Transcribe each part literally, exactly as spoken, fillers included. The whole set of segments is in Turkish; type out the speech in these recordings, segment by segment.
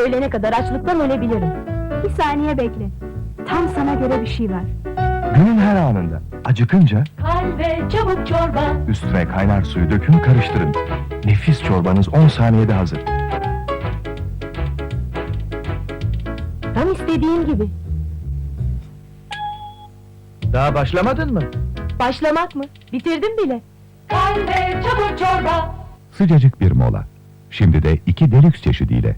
öğlene kadar açlıktan ölebilirim. Bir saniye bekle. Tam sana göre bir şey var. Günün her anında acıkınca Kalbe çabuk çorba. üstüne kaynar suyu dökün, karıştırın. Nefis çorbanız on saniyede hazır. Tam istediğim gibi. Daha başlamadın mı? Başlamak mı? Bitirdim bile. Kalbe çabuk çorba. Sıcacık bir mola. Şimdi de iki delüks çeşidiyle.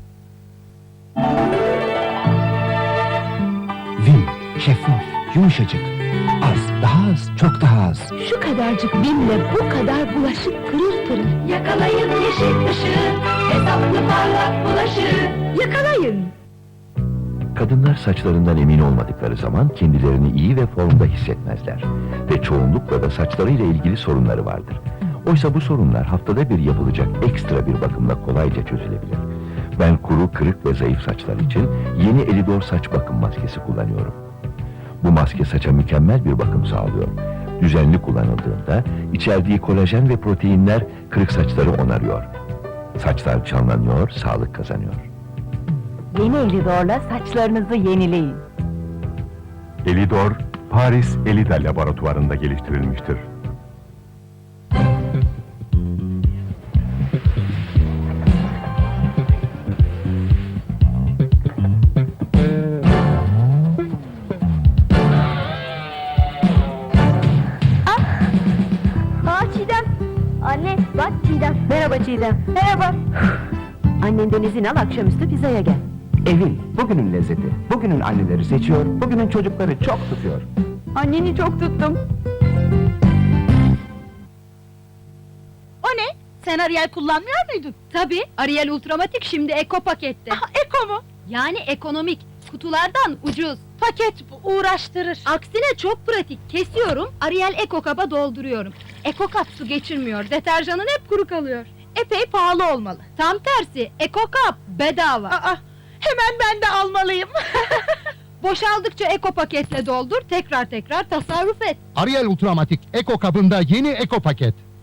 Vim, şeffaf, yumuşacık. Az, daha az, çok daha az. Şu kadarcık bimle bu kadar bulaşık pırır pırır. Yakalayın yeşil ışığı, hesaplı parlak bulaşığı. Yakalayın. Kadınlar saçlarından emin olmadıkları zaman kendilerini iyi ve formda hissetmezler. Ve çoğunlukla da saçlarıyla ilgili sorunları vardır. Oysa bu sorunlar haftada bir yapılacak ekstra bir bakımla kolayca çözülebilir. Ben kuru, kırık ve zayıf saçlar için yeni Elidor saç bakım maskesi kullanıyorum. Bu maske saça mükemmel bir bakım sağlıyor. Düzenli kullanıldığında içerdiği kolajen ve proteinler kırık saçları onarıyor. Saçlar canlanıyor, sağlık kazanıyor. Yeni Elidor'la saçlarınızı yenileyin. Elidor, Paris Elida laboratuvarında geliştirilmiştir. Aa Çiğdem! Anne, bak Çiğdem. Merhaba Çiğdem. Merhaba. Annenden izin al, akşamüstü pizzaya gel. Evin, bugünün lezzeti, bugünün anneleri seçiyor, bugünün çocukları çok tutuyor. Anneni çok tuttum. O ne? Sen Ariel kullanmıyor muydun? Tabii, Ariel Ultramatik şimdi Eko pakette. Aha, Eko mu? Yani ekonomik, kutulardan ucuz. Paket bu, uğraştırır. Aksine çok pratik, kesiyorum, Ariel Eko kaba dolduruyorum. Eko kap su geçirmiyor, deterjanın hep kuru kalıyor. Epey pahalı olmalı. Tam tersi, Eko kap bedava. Aa, hemen ben de almalıyım. Boşaldıkça Eko paketle doldur, tekrar tekrar tasarruf et. Ariel Ultramatik Eko kabında yeni Eko paket.